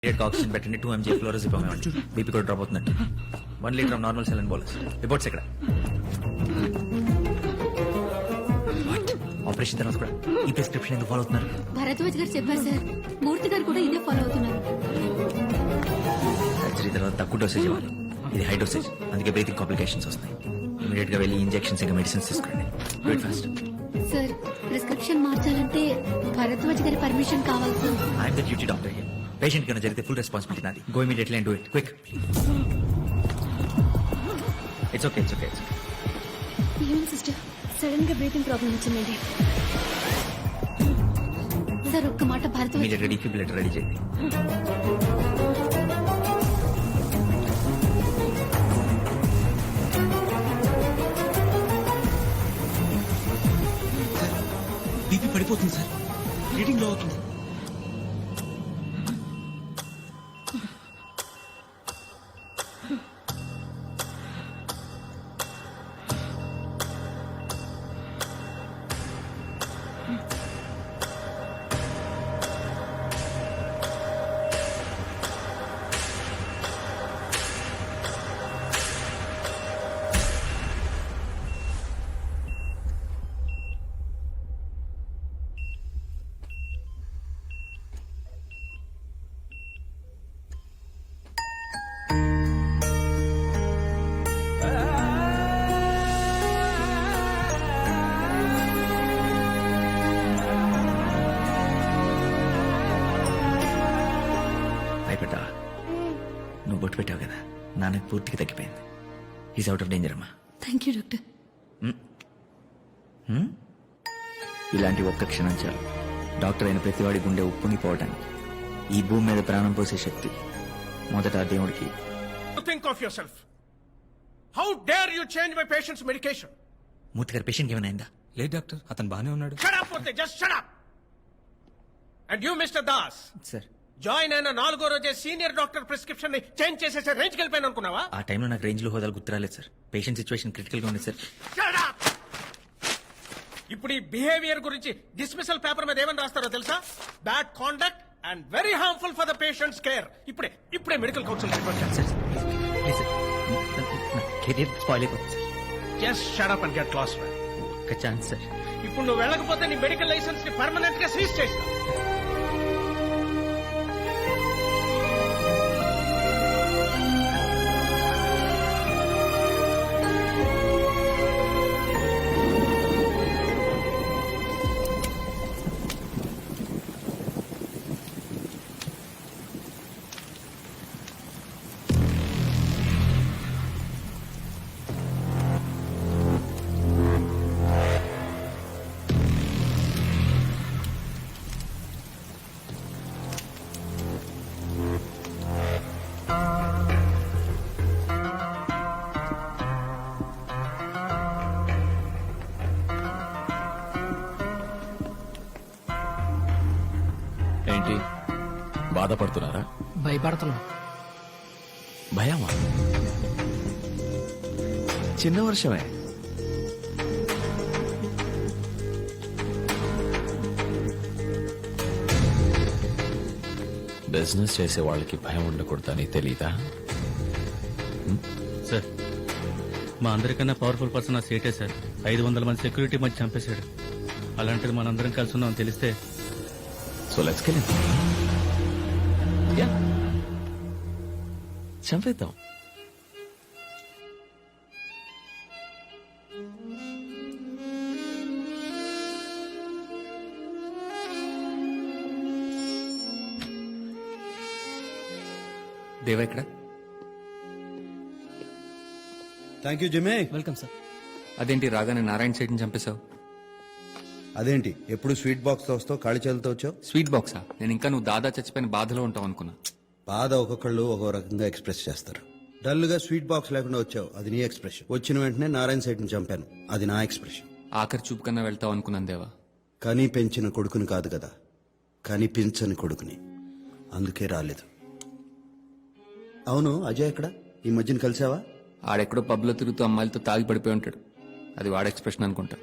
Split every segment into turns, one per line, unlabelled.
Oxygen పెట్టండి 2 mg ఫ్లోరోజిపమ్ ఇవ్వండి BP కూడా డ్రాప్ అవుతున్నట్టు 1 litre of normal saline bolus reports ఎక్కడ ఆపరేషన్ తర్వాత కూడా ఈ ప్రిస్క్రిప్షన్ ఎందుకు ఫాలో అవుతున్నారు
భరద్వాజ్ గారు చెప్పారు సార్ మూర్తి గారు కూడా ఇదే ఫాలో అవుతున్నారు
సర్జరీ తర్వాత తక్కువ డోసేజ్ ఇవ్వాలి ఇది హై డోసేజ్ అందుకే బ్రీతింగ్ కాంప్లికేషన్స్ వస్తాయి ఇమీడియట్ గా వెళ్ళి ఇంజెక్షన్స్ ఇంకా మెడిసిన్స్ తీసుకోండి do it fast
sir prescription మార్చాలంటే భరద్వాజ్ గారి పర్మిషన్ కావాలి sir
I'm the duty doctor here patient కన్నా జరిగితే ఫుల్ రెస్పాన్సిబిలిటీ నాది go immediately and do it quick it's okay
ఏం సిస్టర్ సడన్ గా బ్రీతింగ్ ప్రాబ్లం వచ్చిందండి సార్ ఒక్క మాట భరద్వాజ్
ఇమీడియట్ గా డిఫిబ్రిలేటర్ రెడీ చేయండి
బీపీ పడిపోతుంది సార్ రీడింగ్ లో అవుతుంది
అయిపోతా నువ్వు బొట్టు పెట్టావు కదా నాన్నకి పూర్తిగా తగ్గిపోయింది ఈజ్ అవుట్ ఆఫ్ డేంజర్ అమ్మా
థ్యాంక్ యూ డాక్టర్
ఇలాంటి ఒక్క క్షణం చాలు డాక్టర్ అయిన ప్రతివాడి గుండె ఉప్పొంగిపోవటానికి ఈ భూమి మీద ప్రాణం పోసే శక్తి మొదట ఆ దేవుడికి
Think of yourself. How dare you change my patient's medication?
మూర్తి గారి పేషెంట్ ఏమైనా అయిందా
లేదు డాక్టర్ అతను బానే ఉన్నాడు
Shut up, Murthy. Just shut up. And you, Mr. Das,
sir
join అయిన 4వ రోజే సీనియర్ డాక్టర్ ప్రిస్క్రిప్షన్ ని చేంజ్ చేసేసే రేంజ్కి వెళ్ళిపోయాను అనుకున్నావా?
ఆ టైంలో నాకు రేంజ్ లో హోదాలు గుర్తురాలేదు సార్ పేషెంట్ సిచ్యువేషన్ క్రిటికల్ గా ఉంది సార్
Shut up. ఇప్పుడు ఈ బిహేవియర్ గురించి డిస్మిసల్ పేపర్ మీద ఏమని రాస్తారో తెలుసా? Bad conduct and very harmful for the patients care. ఇప్పుడే medical council report
sir please sir నా కెరీర్ స్పాయిల్ అయిపోతుంది sir
just shut up and get lost man.
ఒక ఛాన్స్ సార్
ఇప్పుడు నువ్వు వెళ్ళకపోతే నీ మెడికల్ లైసెన్స్ ని పర్మనెంట్ గా సీజ్ చేస్తా.
ఏంటి బాధపడుతున్నారా
భయపడుతున్నా
భయమా చిన్న వర్షమే బిజినెస్ చేసే వాళ్ళకి భయం ఉండకూడదని తెలీదా
సార్ మా అందరికన్నా పవర్ఫుల్ పర్సన్ ఆ సేటే సార్ 500 మంది సెక్యూరిటీ మధ్య చంపేశాడు అలాంటిది మనందరం కలిసి ఉన్నాం తెలిస్తే
so let's kill him ya చంపేద్దాం
దేవా ఇక్కడ
థ్యాంక్ యూ జిమే.
వెల్కమ్ సార్
అదేంటి రాగానే నారాయణ సైడ్ని చంపేశావు
అదేంటి ఎప్పుడు స్వీట్ బాక్స్ తో వస్తావు ఖాళీ చేతులతో వచ్చావు?
స్వీట్ బాక్సా నేను ఇంకా నువ్వు దాదా చచ్చిపోయిన బాధలో ఉంటావు అనుకున్నా
బాధ ఒక్కొక్కళ్ళు ఒక్కో రకంగా ఎక్స్ప్రెస్ చేస్తారు. డల్ గా స్వీట్ బాక్స్ లేకుండా వచ్చావు, అది నీ ఎక్స్ప్రెషన్. వచ్చిన వెంటనే నారాయణ సైడ్ ని చంపాను, అది నా ఎక్స్ప్రెషన్.
ఆఖరి చూపు కన్నా వెళ్తావు అనుకున్నాను దేవా
కానీ పెంచిన కొడుకుని కాదు కదా, కనిపించని కొడుకుని, అందుకే రాలేదు. అవును అజయ్ ఎక్కడ? ఈ మధ్యన కలిసావా?
ఆడెక్కడో పబ్లో తిరుగుతూ అమ్మాయిలతో తాగి పడిపోయి ఉంటాడు. అది వాడ ఎక్స్ప్రెషన్ అనుకుంటా.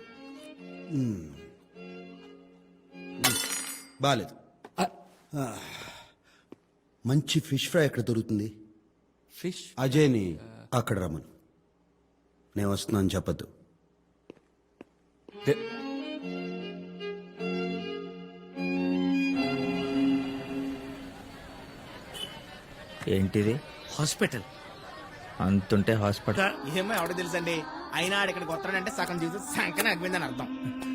బాలేదు. మంచి ఫిష్ ఫ్రై ఎక్కడ దొరుకుతుంది?
ఫిష్
అజయ్ని అక్కడ రమ్మను. నేను వస్తున్నాను చెప్పద్దు.
ఏంటిది?
హాస్పిటల్
అంతుంటే హాస్పిటల్.
ఏమో ఎవడో తెలుసండి, అయినా ఆడ ఇక్కడికి వస్తాడంటే సగం జీవితం సంకనే అగ్గిందని అర్థం.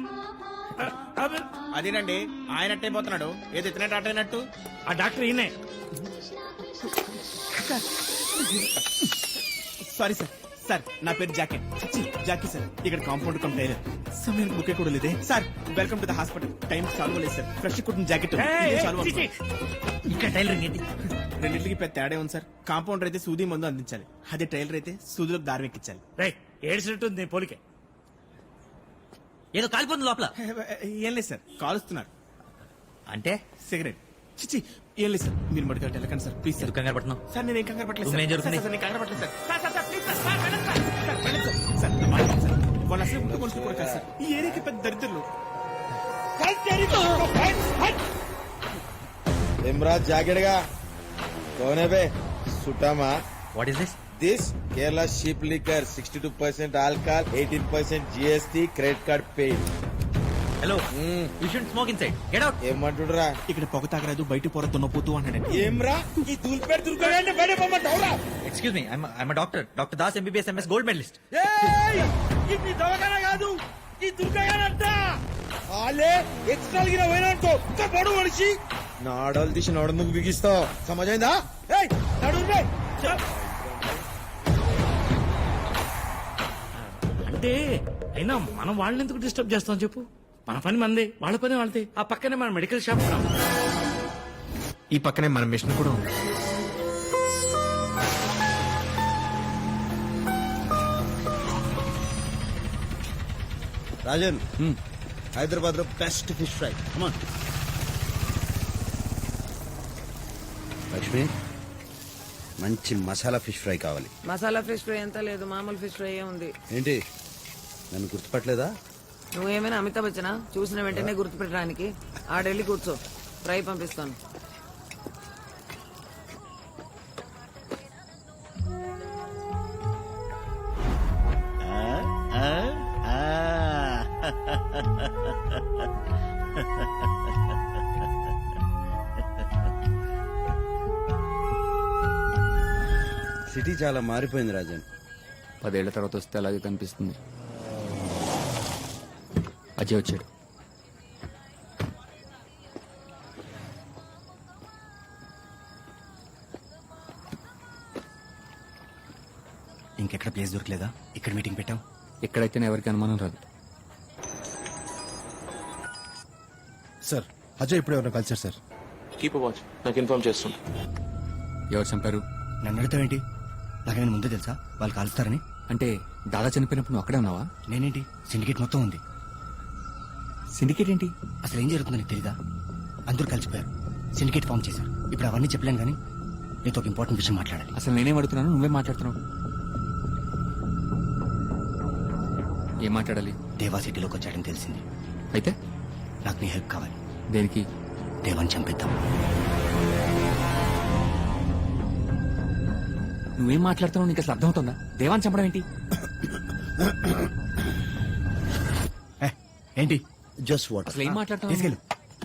అదేనండి, ఆయన అట్టయిపోతున్నాడు, ఏది ఎత్తినట్టు అట్టయినట్టు.
ఆ డాక్టర్ ఈయనే.
Sorry sir. సార్ నా పేరు జాకెట్ జాకీ సార్. ఇక్కడ కాంపౌండ్ కమ్ టైలర్. సమయానికి బుకే కూడా లేదే sir. Welcome to the hospital. Time సాల్వ్ లేదు సార్. ఫ్రెష్ కుట్టిన జాకెట్
ఇక్కడ టైలరింగ్ ఏంటి?
రెండింటికి పెద్ద తేడా ఉంది సార్. కాంపౌండర్ అయితే సూది మందు అందించాలి, అదే టైలర్ అయితే సూదిలోకి దారం ఎక్కించాలి.
రైట్, ఏడ్చినట్టుంది పోలికే. ఏదో కాలిపోతుంది లోపల.
ఏం లేదు సార్, కాలుస్తున్నారు.
అంటే
సిగరెట్. చిచి ఏం లేదు సార్, మీరు మడిగా వెళ్ళకండి సార్ ప్లీజ్ సార్.
ఎందుకు కంగారు పడుతున్నావు?
సార్ నేను ఏం కంగారు పట్టలేదు
రూమ్
సార్.
ఏం జరుగుతుంది?
సార్, నేను కంగారు పట్టలేదు sir. Sir, sir, sir, please sir. Sir, వెళ్ళండి సార్. సార్, వెళ్ళండి సార్. సార్, నా మాట వినండి సార్. వాళ్ళు అసలు ముందు మనుషులు కూడా కాదు సార్. ఈ ఏరియాకి పెద్ద దరిద్రులు.
इमराज जागेड़गा कौन है बे? सुटामा
what is this?
This Kerala ship liquor 62% alcohol 18% GST credit card पे
hello, you should smoke inside. Get out.
ఏమంటుడురా?
ఇక్కడ పొగ తాగరాదు, బయట పొర దున్నపోతూ అన్నాడండి.
ఏమ్రా ఈ దూల్పేట దుర్గంటే బయట పొమ్మంటావురా?
Excuse me, I'm doctor Das MBBS MS gold medalist.
ఏయ్ ఇది దవకన కాదు, ఈ దుర్గగానంట. ఆలే ఎక్స్ట్రా గిన పోయినంటో ఒక్క పడు మనిషి నాడలు తీసి నడుముకు బిగిస్తావు. సమజైందా? ఏయ్ నడుము బే.
అంటే అయినా మనం వాళ్ళని ఎందుకు డిస్టర్బ్ చేస్తాం చెప్పు? మన పని మందే, వాళ్ళ పని వాళ్ళదే. ఆ పక్కనే మన మెడికల్ షాప్ కూడా ఉంది.
ఈ పక్కనే మన మిషన్ కూడా ఉంది.
రాజన్, హైదరాబాద్ లో బెస్ట్ ఫిష్ ఫ్రై. లక్ష్మి, మంచి మసాలా ఫిష్ ఫ్రై కావాలి.
మసాలా ఫిష్ ఫ్రై ఎంత లేదు, మామూలు ఫిష్ ఫ్రై ఉంది.
ఏంటి, నన్ను గుర్తుపట్టలేదా?
నువ్వేమైనా అమితాబ్ బచ్చనా? చూసిన వెంటనే గుర్తుపెట్టడానికి. ఆడెళ్ళి కూర్చో, ఫ్రై పంపిస్తాను.
సిటీ చాలా మారిపోయింది రాజన్.
10 ఏళ్ల తర్వాత వస్తే అలాగే కనిపిస్తుంది. అజయ్ వచ్చాడు.
ఇంకెక్కడ ప్లేస్ దొరకలేదా? ఇక్కడ మీటింగ్ పెట్టాం.
ఎక్కడైతేనే ఎవరికి అనుమానం రాదు.
సార్ అజయ్ ఇప్పుడు ఎవరైనా కలిసారు సార్?
కీప్ వాచ్, నాకు ఇన్ఫార్మ్ చేస్తున్నా.
ఎవరు చంపారు?
నన్ను అడుగుతావేంటి? నాకేమైనా ముందే తెలుసా వాళ్ళు కాలుస్తారని?
అంటే దాదా చనిపోయినప్పుడు నువ్వు అక్కడే ఉన్నావా?
నేనేంటి, సిండికేట్ మొత్తం ఉంది.
సిండికేట్ ఏంటి?
అసలు ఏం జరుగుతుందో నీకు తెలీదా? అందరూ కలిసిపోయారు, సిండికేట్ ఫామ్ చేశారు. ఇప్పుడు అవన్నీ చెప్పలేను కానీ నీతో ఒక ఇంపార్టెంట్ విషయం మాట్లాడాలి.
అసలు నేనేం అడుగుతున్నాను, నువ్వే మాట్లాడుతున్నావు. ఏం మాట్లాడాలి?
దేవా సిటీలోకి వచ్చాడని తెలిసింది.
అయితే
నాకు నీ హెల్ప్ కావాలి.
దేనికి?
దేవాన్ని చంపేద్దాం.
నువ్వేం మాట్లాడుతున్నావు? నీకు అసలు అర్థమవుతుందా? దేవాన్ని చంపడం ఏంటి?
ఏంటి
జస్ట్ వాటర్.
అసలు ఏం మాట్లాడుతున్నావు?
తీసుకెళ్ళు.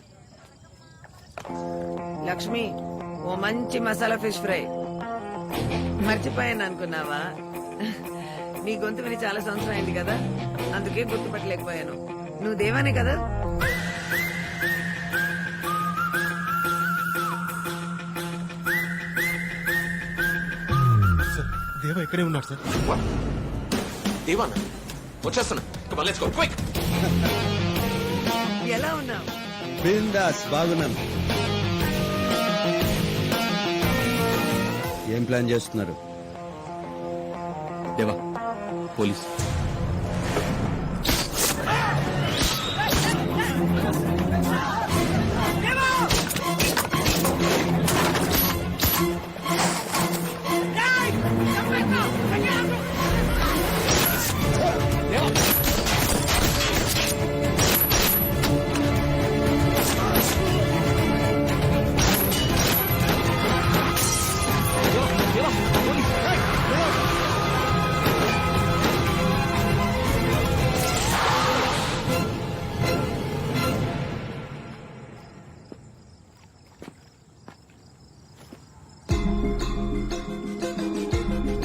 లక్ష్మి, ఓ మంచి మసాలా ఫిష్ ఫ్రై. మర్చిపోయాను అనుకున్నావా? నీ గొంతు విని చాలా సంవత్సరం అయింది కదా, అందుకే గుర్తుపట్టలేకపోయాను. నువ్వు దేవానే కదా?
దేవా ఇక్కడే ఉన్నాడు సార్.
దేవానా వచ్చేస్తున్నా. Let's go quick.
ఎలా ఉన్నావు?
బిందాస్, బాగున్నాను. ఏం ప్లాన్ చేస్తున్నారు?
దేవా పోలీస్